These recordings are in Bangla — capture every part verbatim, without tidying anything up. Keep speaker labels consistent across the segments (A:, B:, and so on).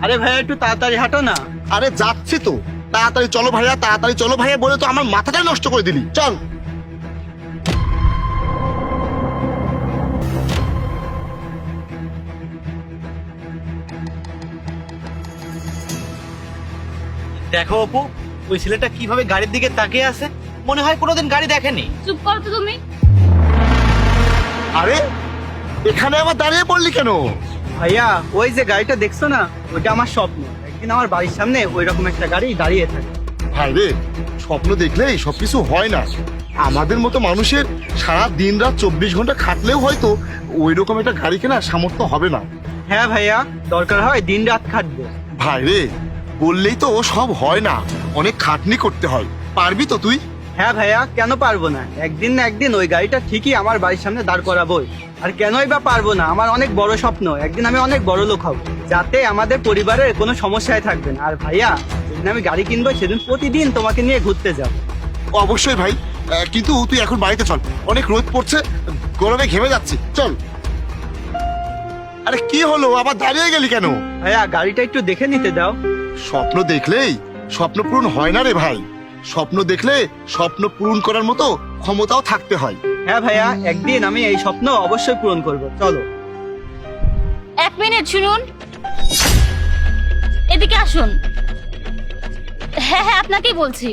A: আরে ভাইয়া একটু তাড়াতাড়ি হাঁটো না।
B: আরে যাচ্ছি তো, তাড়াতাড়ি চলো ভাইয়া, তাড়াতাড়ি চলো ভাইয়া বলে তো আমার মাথাটাই নষ্ট করে দিলি। চল।
A: দেখো অপু, ওই ছেলেটা কিভাবে গাড়ির দিকে তাকিয়ে আছে, মনে হয় কোনোদিন গাড়ি দেখেনি।
C: চুপ করো তো তুমি।
B: আরে এখানে আবার দাঁড়িয়ে পড়লি কেন?
A: ভাইয়া ওই যে গাড়িটা দেখছো না, ওইটা আমার স্বপ্ন একদিন আমার বাড়ির সামনে ওই রকম একটা গাড়ি দাঁড়িয়ে থাকে।
B: ভাই রে, স্বপ্ন দেখলেই সবকিছু হয় না। আমাদের মতো মানুষের সারা দিন রাত চব্বিশ ঘন্টা খাটলেও হয়তো ওই রকম একটা গাড়ি কেনার সামর্থ্য হবে না।
A: হ্যাঁ ভাইয়া, দরকার হয় দিন রাত খাটবো।
B: ভাই রে, বললেই তো ও সব হয় না, অনেক খাটনি করতে হয়। পারবি তো তুই?
A: হ্যাঁ ভাইয়া, কেন পারবো না, একদিন না একদিন ওই গাড়িটা ঠিকই আমার বাড়ির সামনে দাঁড় করাবোই। আর কেনই বা পারবো না, আমার অনেক বড় স্বপ্ন, একদিন আমি অনেক বড় লোক হব, যাতে আমাদের পরিবারের কোনো সমস্যায় থাকবে না। আর ভাইয়া যেদিন আমি গাড়ি কিনবো সেদিন প্রতিদিন তোমাকে নিয়ে ঘুরতে যাবো।
B: অবশ্যই ভাই, আহ, কিন্তু তুই এখন বাড়িতে চল, অনেক রোদ পড়ছে, গরমে ঘেমে যাচ্ছি। চল। আরে কি হলো, আবার দাঁড়িয়ে গেলি কেন?
A: ভাইয়া গাড়িটা একটু দেখে নিতে দাও।
B: স্বপ্ন দেখলেই স্বপ্ন পূরণ হয় না রে ভাই। স্বপ্ন দেখলে স্বপ্ন পূরণ করার মতো ক্ষমতাও থাকতে হয়।
A: হ্যাঁ ভাইয়া, একদিন আমি এই স্বপ্ন অবশ্যই পূরণ করব। চলো।
C: এক মিনিট শুনুন, এদিকে আসুন। হ্যাঁ হ্যাঁ, আপনাকেই বলছি।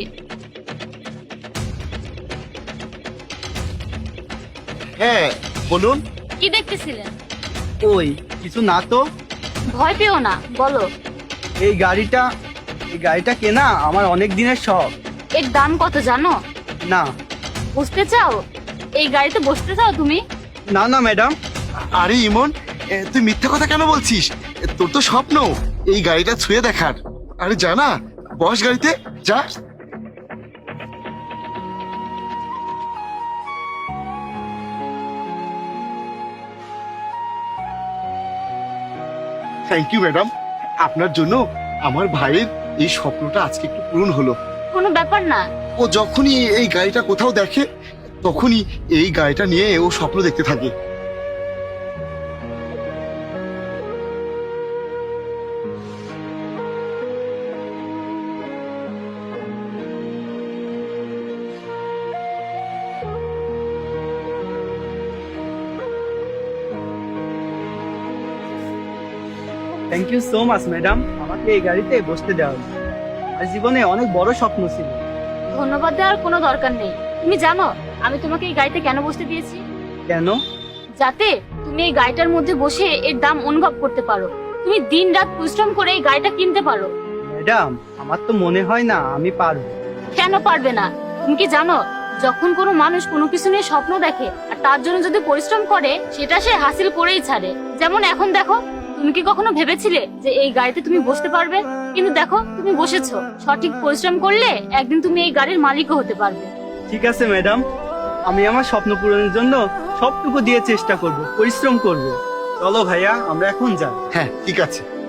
B: হ্যাঁ বলুন।
C: কি দেখতেছিলেন?
A: ওই কিছু না তো।
C: ভয় পেও না, বলো।
A: এই গাড়িটা এই গাড়িটা কেনা আমার অনেক দিনের শখ।
C: এর দাম কত জানো?
A: না।
C: বুঝতে চাও? এই গাড়িতে বসতে চাও তুমি?
A: না না ম্যাডাম।
B: আরে ইমন, এ, তুই মিথ্যা কথা কেন বলছিস? এ, তোর তো স্বপ্ন এই গাড়িটা ছুঁয়ে দেখার। আরে জানা, বস গাড়িতে যা। থ্যাংক ইউ ম্যাডাম, আপনার জন্য আমার ভাইয়ের এই স্বপ্নটা আজকে একটু পূরণ হলো।
C: কোনো ব্যাপার না।
B: ও যখনই এই গাড়িটা কোথাও দেখে তখনই এই গাড়িটা নিয়ে ও স্বপ্ন দেখতে থাকে।
A: Thank you so much madam, আমাকে এই গাড়িতে বসতে দেওয়া হলো। আর জীবনে অনেক বড় স্বপ্ন ছিল।
C: ধন্যবাদ দেওয়ার কোনো দরকার নেই। তুমি জানো আমি তোমাকে এই গাড়িতে কেন বসতে দিয়েছি?
A: কেন?
C: যাতে তুমি এই গাড়িটার মধ্যে বসে এর দাম অনুভব করতে পারো, তুমি দিন রাত পরিশ্রম করে এই গাড়িটা কিনতে পারো।
A: ম্যাডাম আমার তো মনে হয় না আমি পারবো।
C: কেন পারবে না? তুমি কি জানো, যখন কোনো মানুষ কোনো কিছু নিয়ে স্বপ্ন দেখে আর তার জন্য যদি পরিশ্রম করে, সেটা সে হাসিল করেই ছাড়ে। যেমন এখন দেখো, তুমি কি কখনো ভেবেছিলে যে এই গাড়িতে তুমি বসতে পারবে? কিন্তু দেখো তুমি বসেছো। সঠিক পরিশ্রম করলে একদিন তুমি এই গাড়ির মালিকও হতে পারবে।
A: ঠিক আছে ম্যাডাম, আমি আমার স্বপ্ন পূরণের জন্য সবটুকু দিয়ে চেষ্টা করব, পরিশ্রম করব। চলো ভাইয়া, আমরা এখন যাই।
B: হ্যাঁ ঠিক আছে।